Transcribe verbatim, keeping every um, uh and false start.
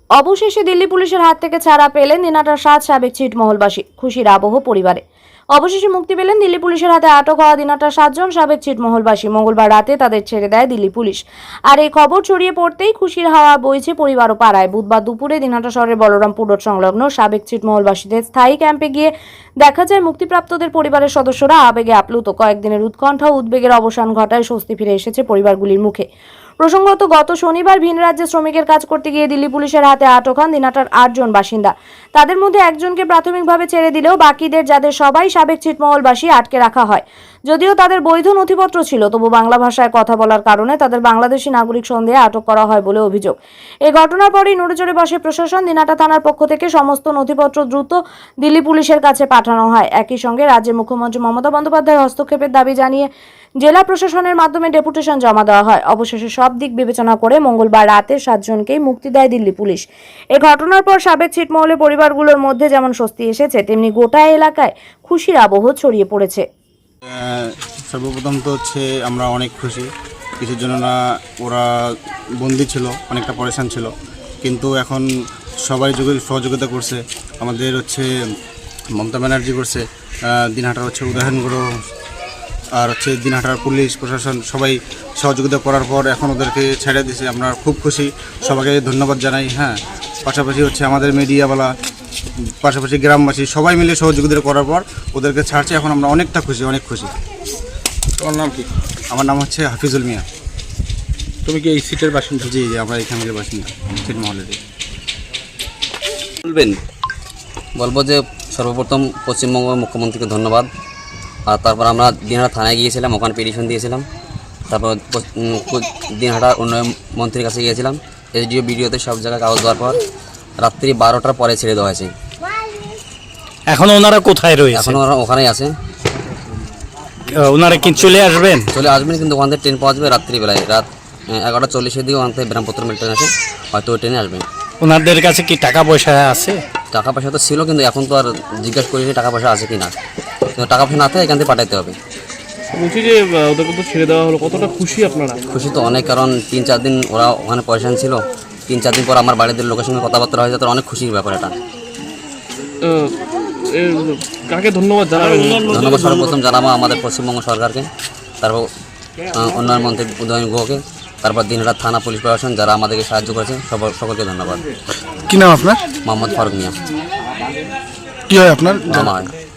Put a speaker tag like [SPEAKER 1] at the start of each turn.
[SPEAKER 1] অবশেষে দিল্লি পুলিশের হাত থেকে ছাড়া পেলেন দিনহাটার সাত সাবেক ছিটমহলবাসী। খুশির আবহ পরিবারে। অবশেষে মুক্তি পেলেন দিল্লি পুলিশের হাতে আটক হওয়া দিনহাটার সাতজন সাবেক ছিটমহলবাসী। মঙ্গলবার রাতে তাদের ছেড়ে দেয় দিল্লি পুলিশ। আর এই খবর ছড়িয়ে পড়তেই খুশির হাওয়া বইছে পরিবার ও পাড়ায়। বুধবার দুপুরে দিনহাটা শহরের বলরামপুর রোড সংলগ্ন সাবেক ছিটমহলবাসীদের স্থায়ী ক্যাম্পে গিয়ে দেখা যায় মুক্তিপ্রাপ্তদের পরিবারের সদস্যরা আবেগে আপ্লুত। কয়েকদিনের উৎকণ্ঠা ও উদ্বেগের অবসান ঘটায় স্বস্তি ফিরে এসেছে পরিবারগুলির মুখে। প্রসঙ্গত, গত শনিবার ভিন রাজ্যে শ্রমিকের কাজ করতে গিয়ে দিল্লি পুলিশের হাতে আটক হন দিনহাটার আটজন বাসিন্দা। তাদের মধ্যে একজনকে প্রাথমিকভাবে ছেড়ে দিলেও বাকিদের, যাদের সবাই সাবেক ছিটমহলবাসী, আটকে রাখা হয়। যদিও তাদের বৈধ নথিপত্র ছিল, তবু বাংলা ভাষায় কথা বলার কারণে তাদের বাংলাদেশি নাগরিক সন্দেহে আটক করা হয় বলে অভিযোগ। এই ঘটনার পরেই নড়েচড়ে বসে প্রশাসন। দিনহাটা থানার পক্ষ থেকে সমস্ত নথিপত্র দ্রুত দিল্লি পুলিশের কাছে পাঠানো হয়। একই সঙ্গে রাজ্যের মুখ্যমন্ত্রী মমতা বন্দ্যোপাধ্যায়ের হস্তক্ষেপের দাবি জানিয়ে জেলা প্রশাসনের মাধ্যমে ডেপুটেশন জমা দেওয়া হয়। অবশেষে সব দিক বিবেচনা করে মঙ্গলবার রাতে সাতজনকেই মুক্তি দেয় দিল্লি পুলিশ। এই ঘটনার পর সাবেক ছিটমহলের পরিবারগুলোর মধ্যে যেমন স্বস্তি এসেছে, তেমনি গোটা এলাকায় খুশির আবহ ছড়িয়ে পড়েছে।
[SPEAKER 2] সর্বপ্রথম তো হচ্ছে আমরা অনেক খুশি। কিছুর জন্য না ওরা বন্দি ছিল, অনেকটা পরেশান ছিল, কিন্তু এখন সবাই সহযোগিতা করছে। আমাদের হচ্ছে মমতা ব্যানার্জি করছে, দিনহাটার হচ্ছে উদয়নগুলো আর হচ্ছে দিনহাটার পুলিশ প্রশাসন সবাই সহযোগিতা করার পর এখন ওদেরকে ছেড়ে দিয়েছে। আমরা খুব খুশি, সবাইকে ধন্যবাদ জানাই। হ্যাঁ, পাশাপাশি হচ্ছে আমাদের মিডিয়াওয়ালা, পাশাপাশি গ্রামবাসী সবাই মিলে সহযোগিতা করার পর ওদেরকে ছাড়ছে। এখন আমরা অনেকটা খুশি, অনেক খুশি।
[SPEAKER 3] তোমার নাম কি?
[SPEAKER 2] আমার নাম হচ্ছে হাফিজুল মিয়া।
[SPEAKER 3] তুমি কি এই সিটের বাসিন্দা?
[SPEAKER 2] জি জি আমরা এখানকার বাসিন্দা, ছিটমহলের।
[SPEAKER 4] বলবেন? বলবো যে সর্বপ্রথম পশ্চিমবঙ্গ মুখ্যমন্ত্রীকে ধন্যবাদ। আর তারপর আমরা দিনহাটা থানায় গিয়েছিলাম, ওখানে পিটিশন দিয়েছিলাম। তারপর দিনহাটা উন্নয়ন মন্ত্রীর কাছে গিয়েছিলাম, এসডিও বিডিওতে সব জায়গায় কাগজ দেওয়ার পর রাত্রি বারোটার পরে ছেড়ে দেওয়া হয়েছে।
[SPEAKER 3] এখন ওনারা কোথায় রয়েছে?
[SPEAKER 4] এখন ওরা ওখানেই আছে।
[SPEAKER 3] ওনারা কি চলে আসবেন?
[SPEAKER 4] চলে আসবেন, কিন্তু ওখান থেকে ট্রেন পাওয়া যাবে রাত্রিবেলায়, রাত এগারোটা চল্লিশের দিকে ওখান থেকে ব্রহ্মপুত্র মেল ট্রেন আছে, হয়তো ওই ট্রেনে আসবেন।
[SPEAKER 3] ওনাদের কাছে কি টাকা পয়সা আছে?
[SPEAKER 4] টাকা পয়সা তো ছিল, কিন্তু এখন তো আর জিজ্ঞাসা করিনি টাকা পয়সা আছে কি না। কিন্তু টাকা পয়সা না থাকে এখান থেকে পাঠাতে হবে।
[SPEAKER 5] বলছি যে ওদেরকে তো ছেড়ে দেওয়া হলো, কতটা খুশি আপনারা?
[SPEAKER 4] খুশি তো অনেক, কারণ তিন চার দিন ওরা ওখানে পয়সা ছিল। তিন চার দিন পর আমার বাড়িতে লোকের সঙ্গে কথাবার্তা হয়ে যায়, তো অনেক খুশির ব্যাপার এটা।
[SPEAKER 5] কাকে ধন্যবাদ জানাবেন?
[SPEAKER 4] ধন্যবাদ সর্বপ্রথম জানাবো আমাদের পশ্চিমবঙ্গ সরকারকে, তারপর উন্নয়ন মন্ত্রী উদয়ন গুহকে, তারপর দিনহাটা থানা পুলিশ প্রশাসন যারা আমাদেরকে সাহায্য করেছে, সবার সকলকে ধন্যবাদ।
[SPEAKER 3] কি নাম আপনার?
[SPEAKER 4] মোহাম্মদ ফারুক মিয়া।
[SPEAKER 3] কি হয় আপনার?
[SPEAKER 4] মামা হয়।